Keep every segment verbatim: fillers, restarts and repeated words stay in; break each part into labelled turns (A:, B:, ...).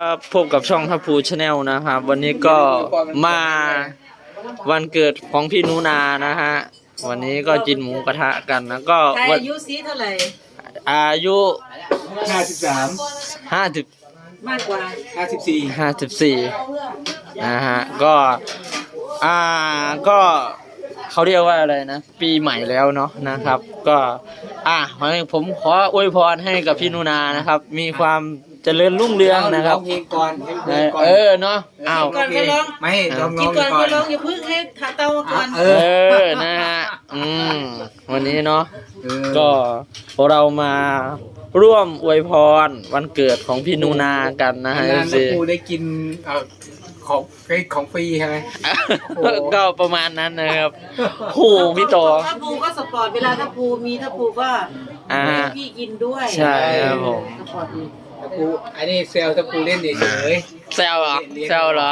A: ครับพบกับช่องทัพพูชาแนลนะครับวันนี้ก็มาวันเกิดของพี่นูนานะฮะวันนี้ก็กินหมูกระทะกันนะก็
B: อายุซีเท่าไหร่
A: อายุ
C: ห้าสิบสาม
A: ห้าสิบ
B: มากกว่า
C: ห้าสิบสี่
A: ห้าสิบสี่นะฮะก็อ่าก็เขาเรียกว่าอะไรนะปีใหม่แล้วเนาะนะครับก็อ่ะผมขออวยพรให้กับพี่นูนานะครับมีความเจริญรุ่งเรืองนะครับ
C: เพลงก่อน
A: เออเนาะอ้าว
C: ไม่ร้อง
B: กินก่อนก็ร้องอย่าพึ่งให้ขาเตาก่อน
A: เออนะฮะอืมวันนี้เนาะก็เรามาร่วมอวยพรวันเกิดของพี่นูนากันนะฮะ
C: สิครูได้กินของของฟรีใช่ไหม
A: ก็ประมาณนั้นนะครับโหพี่โต
B: ถ้าปูก็สปอร์ตเวลาถ้าปูมีถ้าปูก็ให้พี่กินด้วย
A: ใช่ครับผม
B: สปอร์ตดี
C: ถ้าปูอันนี้เซลถ้าปูเล่นเฉย
A: เซลเหรอเซลเหรอ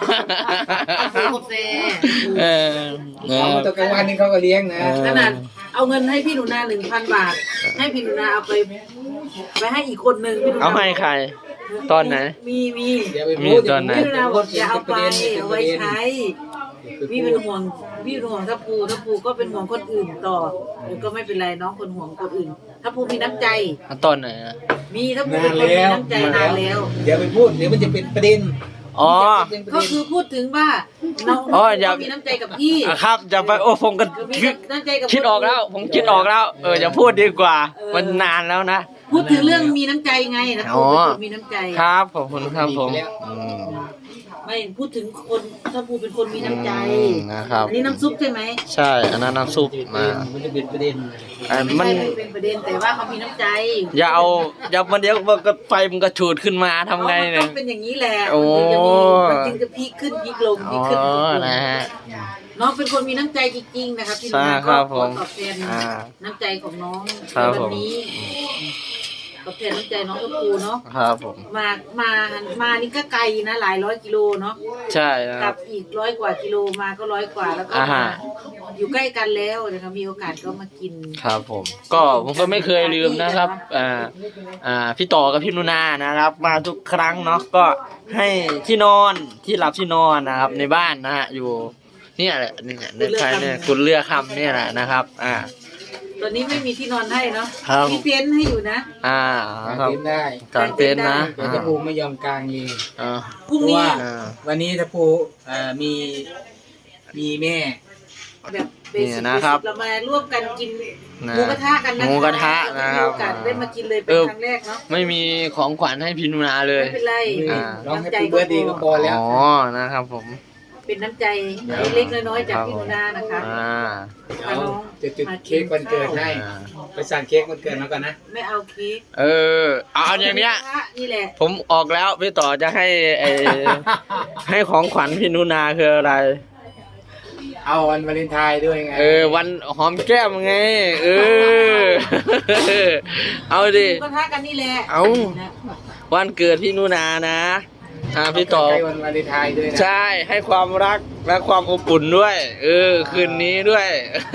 B: เอ
A: อ
C: เอาตัวกลางวันนี่เขาก็เลี้ยงนะ
B: ขนาดเอาเงินให้พี่หนูนาหนึ่งพันบาทให้พี่หนูนาเอาไปไปให้อีกคนหนึ่ง
A: เอาให้ใครตอนไหน
B: มีมี
A: มีตอนไหน
B: พี่หนูนาบอกจะเอาไปเอาไว้ใช้พี่เป็นห่วงพี่เป็นห่วงถ้าปูถ้าปูก็เป็นห่วงคนอื่นต่อก็ไม่เป็นไรน้องคนห่วงคนอื่นถ้าปูมีน้ำใจ
A: ตอนไหน
B: มีถ้าปูเป็นคนมีน้ำใจนานแล้ว
C: เดี๋ยวไปพูดเดี๋ยวมันจะเป็นประเด็น
A: อ๋อ
B: ก็คือพูดถึงว่าน้องมีน้ำใจกับพี่
A: ครับจะไปโอ้ผมก็คิดออกแล้วผมคิดออกแล้วเอออย่าพูดดีกว่ามันนานแล้วนะ
B: พูดถึงเรื่องมีน้ำใจไงนะปูเป็นคนมีน้ำใจ
A: ครับขอบคุณครับผม
B: ไม่พูดถึงคนถ้าปูเป็นคนมีน้ำใจ
A: นะครับ
B: อันนี้น้ำซุปใช่ไหม
A: ใช่อันนั้นน้ำซุปมา
C: มันจะเป็นประเด็น
B: มันเป็นประเด็นแต่ว่าเขามีน้ำใจ
A: อย่าเอาอย่ามันเดี๋ยวมันก็ไฟมันก็ชูดขึ้นมาทำไงเนี่ย
B: เป็นอย่างนี้แหละ
A: โอ้
B: มันจึงจะพีคขึ้นพีคลงพีคขึ้นพีคลง
A: นะฮะ
B: น้องเป็นคนมีน้ำใจจริงๆนะครับที่น้องก็ขอตอบแทนน้ำใจของน้องวันนี้ตอบแทนน้ำใจน้องกระปูเนาะ
A: ครับผม
B: มามามานี่ก็ไกลนะหลายร้อยกิโลเนาะ
A: ใช่
B: กลับอีกร้อยกว่ากิโลมาก็ร้อยกว่าแล้วก็อยู่ใกล้กันแล้วนะครับมีโอกาสก็มากิน
A: ครับผมก็ผมก็ไม่เคยลืมนะครับอ่าอ่าพี่ต่อกับพี่นุนานะครับมาทุกครั้งเนาะก็ให้ที่นอนที่หลับที่นอนนะครับในบ้านนะฮะอยู่นี่แหละนี่ในใครเนี่ยคุณเลือกคำนี่แหละนะครับอ่า
B: ตอนนี้ไม่มีที่นอนให้เนาะมีเต็นท์ให้อยู่นะ
A: อ่า
C: ครับได้
A: กางเต็นท์นะ
C: ถ้าปูไม่ยอมกางเอง
B: พรุ่งนี้
C: วันนี้ถ้าปูมีมีแม่
B: แบบเบสิกเรามาร่วมกันกินหมูกระทะกันนะ
A: หมูกระทะนะครับ
B: โอกาสได้มากินเลยเป็นครั้งแรกเนาะ
A: ไม่มีของขวัญให้พี่นุนาเลย
B: ไม่เป็นไร
C: ร้องให้ปูเบิร์ดดีก็พอแล้ว
A: อ๋อนะครับผม
B: เป็นน้ำใจเล็กๆน้อยๆจากพี่นุนานะคะ
C: เอาจะจุดเค้กวันเกิดให้ไปสั่งเค้กวันเกิดมาก่อนนะ
B: ไม่เอาเค้ก
A: เออเอาอย่างเนี้ย
B: นี่แหละ
A: ผมออกแล้วพี่ต่อจะให้ให้ของขวัญพี่นุนาคืออะไร
C: เอาวันวาเลนไทน์ด้วยไง
A: เออวันหอมแก้มไงเออเอาดิ
B: ก็ทักกันนี่แหละ
A: เอาวันเกิดพี่นุนานะอ่าพี่ต่อ
C: วันวาเลนไทน์ด้วยนะ
A: ใช่ให้ความรักและความอบอุ่นด้วยเออคืนนี้ด้วย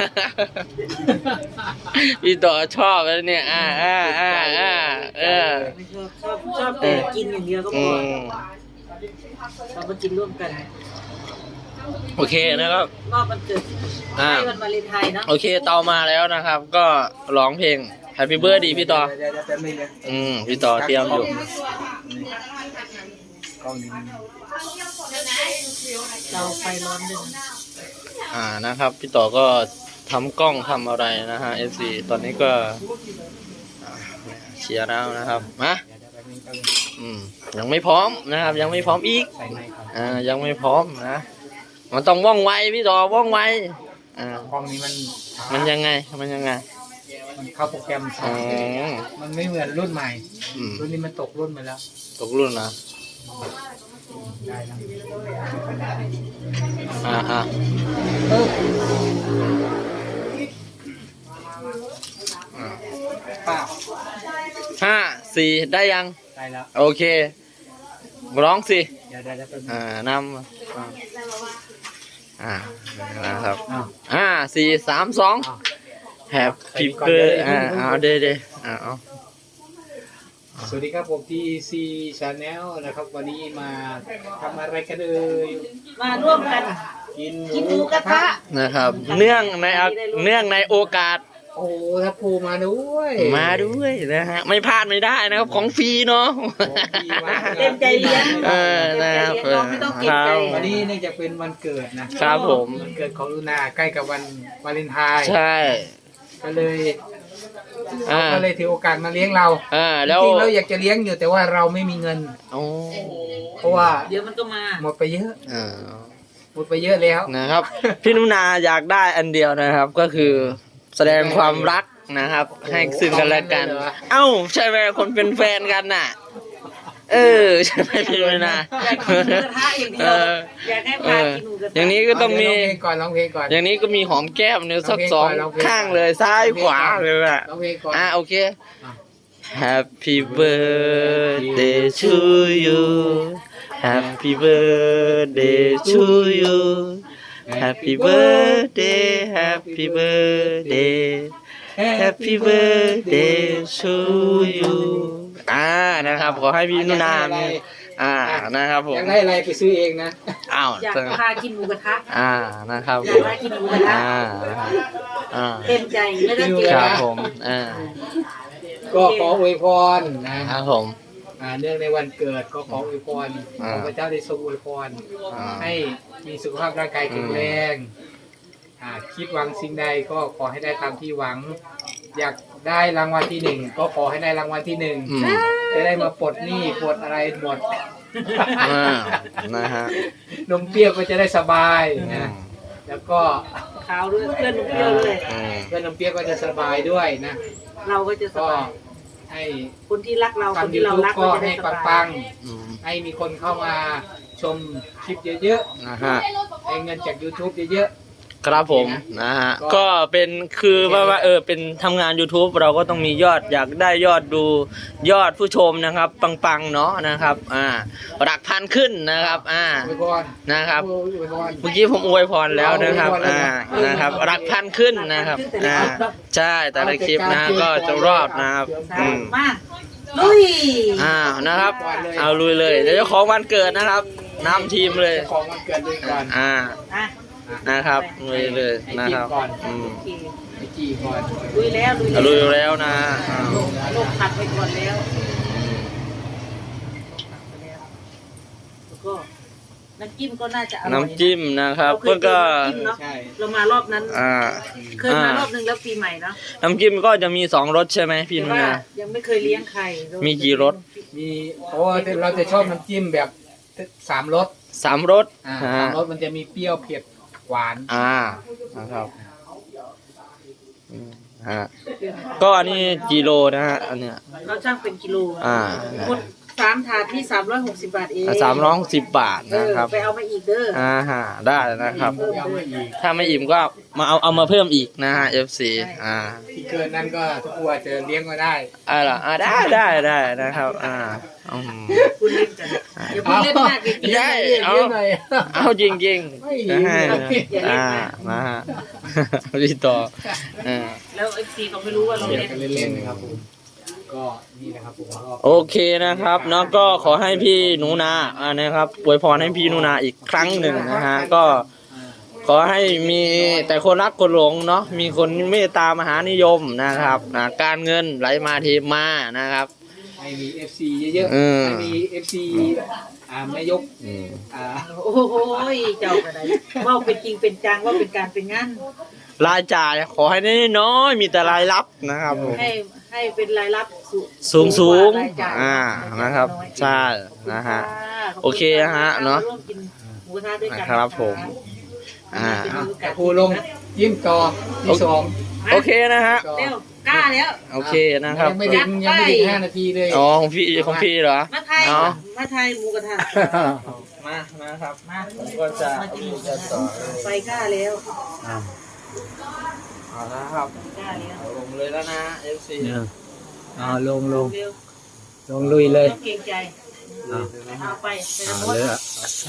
A: พี่ต่อชอบแล้วเนี่ยอ่าอ่าอ่าอ่าเออ
B: ชอบชอบแต่กินอย่างเดียวก็พอเรามากินร่วมกัน
A: โอเคนะครับ
B: รอบวันเกิดให้วันวาเลนไทน์เนาะ
A: โอเคเตามาแล้วนะครับ ก็ร้องเพลง Happy Birthday พี่ต่ออืมพี่ต่อเตรียมอยู่
B: เราไฟร้อนดึง
A: อ่านะครับพี่ต่อก็ทำกล้องทำอะไรนะฮะ เอฟ ซี ตอนนี้ก็เชียร์แล้วนะครับมาอืมยังไม่พร้อมนะครับยังไม่พร้อมอีกอ่ายังไม่พร้อมนะมันต้องว่องไวพี่ต่อว่องไวอ่าก
C: ล้องนี้มัน
A: มันยังไงมันยังไง
C: มันเข้าโปรแกรมช้ามันไม่เหมือนรุ่นใหม่รุ่นนี้มันตกรุ่นไปแล้ว
A: ตกรุ่นนะอ่าอ่าห้าสี่ได้ยัง
C: ได้แล้ว
A: โอเคร้องสิ
C: เดี๋ยวได้
A: อ่านำอ่านะครับห้าสี่สามสองแฮปปี้เบิร์ดอ่าเอาเด้เด้อ่าเอา
C: สวัสดีครับผมที่ ซี Channel นะครับวันนี้มาทำอะไรกันเอ่ย
B: มาร่วมกัน
C: กิน
B: กินหมูกระทะ
A: นะครับ เนื่องในเนื่องในโอกาส
C: โอ้ทัพภูมาด้วย
A: มาด้วยนะฮะไม่พลาดไม่ได้นะครับของฟรีเนาะ
B: เต็มใจเลี้ยง
A: เออนะครับ
B: น้องไม่ต้องเกรงใจ
C: วันนี้เนื่องจากเป็นวันเกิดนะครับ
A: ผม
C: วันเกิดของลูนาใกล้กับวันวาเลนไทน์
A: ใช่
C: ก็เลย
A: อ่า
C: ก็เลยถือโอกาสมาเลี้ยงเรา
A: อ่าแล้ว
C: จริงๆเราอยากจะเลี้ยงอยู่แต่ว่าเราไม่มีเงิน
A: โอ้
C: เพราะว่า
B: เดี๋ยวมันก็มา
C: หมดไปเยอะ
A: อ่า
C: หมดไปเยอะแล้ว
A: นะครับ พี่นุนาอยากได้อันเดียวนะครับ ก็คือแสดงความรักนะครับ ให้ซึ่งกันและกัน เอ้าใช่ไหมคนเป็นแฟนกันน่ะ เออใช่ไหมพี่นุนา
B: อยากกินหมูกระทะอย่างเดียวอยากให้
A: เอ
B: พา
A: อ
B: กินหมูกระทะ
A: อย่างนี้ก็ต้องมี
C: ร้องเพลงก่อนร้องเพลงก่อน
A: อย่างนี้ก็มีหอมแก้มเนี่ยสักสอง
C: ร้องเพลงก่อน
A: ข้างเลยซ้ายขวาเลยอ่ะ
C: ร้องเพลงก่อน
A: อ่ะโอเค Happy birthday to you Happy birthday to you Happy birthday Happy birthday Happy birthday to you อ่านะครับขอให้พี่นุนามีอ่านะครับผม
C: อยากได้อะไรไปซื้อเองนะ
A: อ้าว
B: อยากพากินหมูกระทะ
A: อ่านะครับ
B: อยากพากินหมูกระทะ
A: อ่านะครับอ่า
B: เต็มใจไม่ต้องเกรง
A: ค
B: ใจ
A: รับผมอ่า
C: ก็ขออวยพรนะครับ
A: ผม
C: อ่าเนื่องในวันเกิดก็ขออวยพร
A: อ่า
C: ขอพระเจ้าได้ทรงอวยพร
A: อ่า
C: ให้มีสุขภาพร่างกายแข็งแรงอ่าคิดหวังสิ่งใดก็ขอให้ได้ตามที่หวัง อยากได้รางวัลที่หนึ่งก็ขอให้ได้รางวัลที่หนึ่ง
A: อืม
C: จะได้มาปลดหนี้ปลดอะไรหมด
A: อ่านะฮะ
C: นมเปรี้ยวก็จะได้สบายนะแล้วก็
B: ขาวด้วยเพื่อนหนูเปรี้ยวด้วย
A: อืม
C: เพื่อนนมเปรี้ยวก็จะสบายด้วยนะ
B: เราก็จะส
C: ก็
B: บาย
C: ให้
B: คนที่รักเราคน
C: ทำยู
B: ที่เรา
C: ทูบ
B: รัก
C: ก็
B: ก็จะได้
C: ให้
B: สบา
C: ปั
B: ย
C: ง
A: อืม
C: ๆให้มีคนเข้ามาชมคลิปเยอะ
A: นะฮะ
C: ๆให้เงินจาก YouTube เยอะ
A: ครับผมนะฮะก็เป็นคือว่าว่าเออเป็นทำงาน YouTube เราก็ต้องมียอดอยากได้ยอดดูยอดผู้ชมนะครับ ปังๆเนาะนะครับอ่าหลักพันขึ้นนะครับอ่า
C: ๆอวยพร
A: นะครับ
C: อวยพร
A: เมื่อกี้ผมอวยพรแล้วนะครับอ่านะครับหลักพันขึ้นนะครับอ่าใช่แต่ละคลิปนะก็จะรอดนะครับอืม
B: มาลุย
A: อ่านะครับ เอาลุยเลยเดี๋ยวเจ้าของวันเกิดนะครับนำทีมเลย
C: เจ้าของวันเกิดด้วยก่อน
A: อ่า
B: อ่ะ
A: นะครับลุยเลยนะครับอืม
B: โอเค
C: ไปจีก่อน
B: ลุยแล้วลุย
A: เอาลุยแล้วนะอ่า
B: ลงผัดไปก่อนแล้วแล้วก็น้ำจิ้มก็น่าจะอร่อย
A: น้ำจิ้มนะครับ
B: เราเคย
A: ก็
B: กินน้ำจิ้มเนาะ
C: ใช่
B: เรามารอบนั้น
A: อ่า
B: เคยมารอบนึงแล้วปีใหม่เนาะ
A: น้ำจิ้มก็จะมีสองรสใช่ไหมพี่
B: แต่
A: นุ
B: ว่า
A: นา
B: ยังไม่เคยเลี้ยงใครเรา
A: มีกี่รส
C: มีโอ้เราจะชอบน้ำจิ้มแบบสามรส
A: สามรส
C: อ่า
A: ฮะ
C: สามรสมันจะมีเปรี้ยวเผ็ดหวาน
A: อ่านะครับอืมฮะก็อันนี้กิโลนะฮะอันเนี้ย
B: เราช่างเป็นกิโล
A: อ่า
B: หมดสามถาดที่สามร้อยหกสิบบาทเอง
A: สามร้อยสิบบาท
B: เอ
A: นะ
B: อ
A: ครับ
B: ไปเอามาอีกเด้อ
A: อ่าฮะได้นะครับ
C: เพิ่มเอามาอีก
A: ถ้าไม่อิ่มก็มาเอาเอามาเพิ่มอีกนะฮะ เอฟ ซี อ่า
C: ที่เกินนั้นก็ทุกคนอาจจะเลี้ยงก็ได้
A: อ่าล่ะอ่าได้ได้ได้นะครับ อ่าอืม
B: คุณเล่นกันอย่าพูดเล่นมากเลยกิน
A: ได้
B: เยอะ
A: เอา
C: เลี้ยงหน่อย
A: เอาจริงจริง
C: ไม่
A: ๆนะฮะ
B: อย่าเล่น
A: อ่าม
B: าก
A: นะฮะพี่ต่ออ่า
B: แล้วไอ้ซีเขาไม่รู้ว่าเรา
C: เลี้ยง
B: เล่น
C: กันเล่นๆนะครับผมก็นี่นะครับผมก็
A: โอเคนะครับเนาะก็ขอให้พี่หนูนาอ่านะครับอวยพรให้พี่หนูนาอีกครั้งหนึ่งนะฮะก็ขอให้มีแต่คนรักคนหลงเนาะมีคนเมตตามหานิยมนะครับนะการเงินไหลมาเทมานะครับ
C: ให้มี เอฟ ซี เยอะ
A: อืม
C: ๆให้มี เอฟ ซี อ่าแม่ยก
A: อืม
C: อ่า
B: โอ้โหเจ้ากระไดว่าเป็นจริงเป็นจังว่าเป็นการเป็นงาน
A: รายจ่ายขอให้น้อยๆมีแต่รายรับนะครับผม
B: ให้ให้เป็นรายรับสู
A: สูงสูง
B: กว่ารายจ่าย
A: อ่านะครับ ใช่นะฮะ
B: ขบณ
A: โอเคนะฮะเนาะ
B: ร่วมกินหมูกระทะด้วยกัน
A: ครับผมอ่า
B: เป็น
C: อ่ะ
B: โอกาส
C: ครูลงยิ้มต่อที่สอง
A: โอเคนะฮะ
C: ต่อ
B: เร็วกล้าแล้ว
A: โอเคนะครับ
C: ยังไม่ถึงยังไม่ถึงห้านาทีเลย
A: อ๋อของพี่ของพี่เหรอ
B: มาไทย
A: เนาะ
B: มาไทยหมูกระทะ
A: มานะครับ
B: มา
A: ผมก็จะ
B: มากินหมูกระทะไปกล้าแล้ว
A: เอาละครับ
B: กล้าแล้ว
A: เอาลงเลยแล้วนะ เอฟ ซี
C: อ่าลงลง
B: เร็ว
C: ลงลุยเลย
B: ต้องเกรงใจเอาไปไปทั้งหมด
C: ใส่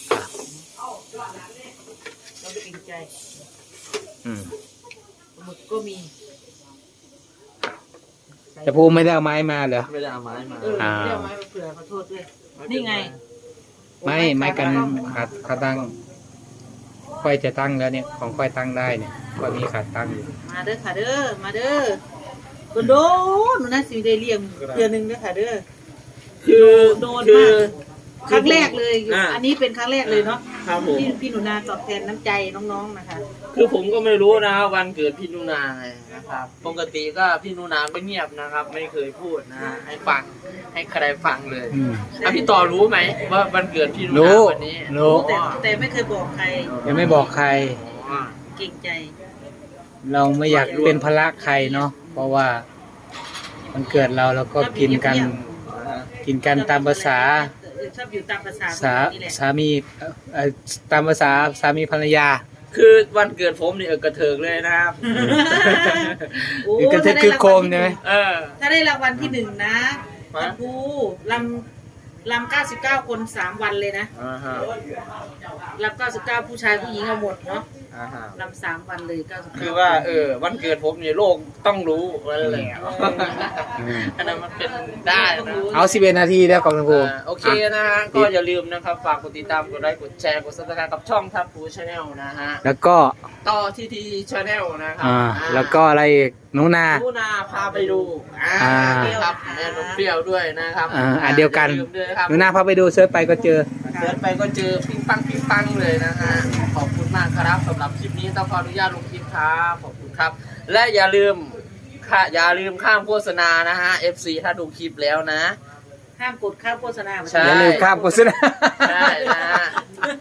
B: ต้องเกรงใจ
A: อืม
B: หมึกก็มีใส่
C: แต่ภูไม่ได้เอาไม้มาเหรอ
A: ไม่ได้เอาไม้มา
B: เออไม่ได้เอาไม้มาเผื่อขอโทษด้วยนี่ไง
C: ไม่ไม้กันขาดขาตั้งค่อยจะตั้งแล้วเนี่ยของค่อยตั้งได้เนี่ยค่อยมีขาดตั้งอยู่
B: มาเด้อค่ะเด้อมาเด้อโดนหนูน่าสิได้เลี้ยงเดือนหนึงเด้อค่ะเด้อ
A: คือ
B: โดน
A: คื
B: มา
A: อก
B: ครั้งแรกเลย
A: อ่า
B: อันนี้เป็นครั้งแรกเลยเนาะ
A: ครับผม
B: ที่พี่หนูนาตอบแทนน้ำใจน้องๆนะคะ
A: คือผมก็ไม่รู้นะครับวันเกิดพี่นุนาไงนะครับ ปกติก็พี่นุนาก็เงียบนะครับ ไม่เคยพูดนะฮะให้ฟังให้ใครฟังเลย
C: อืม
A: อ่ะพี่ต่อรู้ไหมว่าวันเกิดพี่นุ
C: รู้
A: นาวันนี้
C: รู้
B: แต่แต่ไม่เคยบอกใคร
C: ยังไม่บอกใคร
A: อ๋อ
B: เก่งใจ
C: เราไม่อยากเป็นภาระใครเนาะเพราะว่ามันเกิดเราแล้วก็กินกัน กินกันตามภาษา
B: ชอบอยู่ตามภาษา
C: สา
B: นี่แหละ
C: สามีเอ่อเอ่อตามภาษาสามีภรรยา
A: คือวันเกิดผมนี่เออกระเถิกเลยนะครับ
B: โอ้
C: คือกันจะคือโคมใช่ไหม
A: เออ
B: ถ้าได้รางวัลที่หนึ่งนะ
A: ฮะ
B: ท่านครูลำลำเก้าสิบเก้าคนสามวันเลยนะ
A: อ่าฮะ
B: ลำเก้าสิบเก้าผู้ชายผู้หญิงเอาหมดเนาะ
A: อ่าฮะ
B: ลำสามวันเลยเก้าสิบเก้า
A: คือว่าเออวันเกิดผมนี่โลกต้องรู้อะไรแหละ
C: อืม
A: อันนั้นมันเป็นได้นะ
C: เอาสิบเอ็ดนาทีแล้วของคุณครู
A: อ่าโอเคนะฮะก็อย่าลืมนะครับฝากกดติดตามกดไลค์กดแชร์กดซับสไครต์กับช่องทับฟูชาแนลนะฮะ
C: แล้วก็
A: ต่อทีทีชาแนลนะครั
C: อ่า
A: อ่า
C: แล้วก็อะไรอีกหนูนา
A: ลูนาพาไปดูอ่า
C: อ่า
A: ครับแม่นมเปรี้ยวด้วยนะครับ
C: อ่าอันเดียวกัน
A: อาลืมด้วยครับ
C: หนูนาพาไปดูเซิร์ชไปก็เจอ
A: เสิร์ชไปก็เจอปิ้งปังปิ้งปังเลยนะฮะขอบคุณมากครับสำหรับคลิปนี้ต้องขออนุญาตลงคลิปครับขอบคุณครับ และอย่าลืมค่ะอย่าลืมข้ามโฆษณานะฮะ เอฟ ซี ถ้าดูคลิปแล้วนะ
B: ห้ามกดข้ามโฆษณา
A: ใช่
C: อย่าลืมข้ามโฆษณา
A: ใช่นะฮะ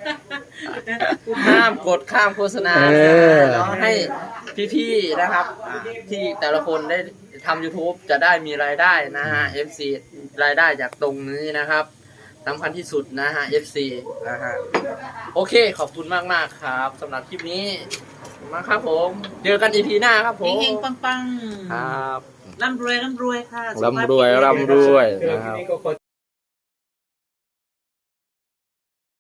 A: ห้ามกดข้ามโฆษณา
C: เออ
A: เนาะให้พี่ๆนะครับอ่าที่แต่ละคนได้ทำ YouTube จะได้มีรายได้นะฮะ เอฟ ซี รายได้จากตรงนี้นะครับสำคัญที่สุดนะฮะ เอฟ ซี นะฮะโอเคขอบคุณมากๆครับสำหรับคลิปนี้ขอบคุณมากครับผมเจอกัน อี พี หน้าครับผม
B: เฮงๆปัง
A: ครับ
B: ๆร่ำรวยร่ำรวยค่ะ
A: ร่ำรวยร่ำรวย
C: เจอ
A: นะค
C: ที
A: รับ
C: นี้ก็ขอ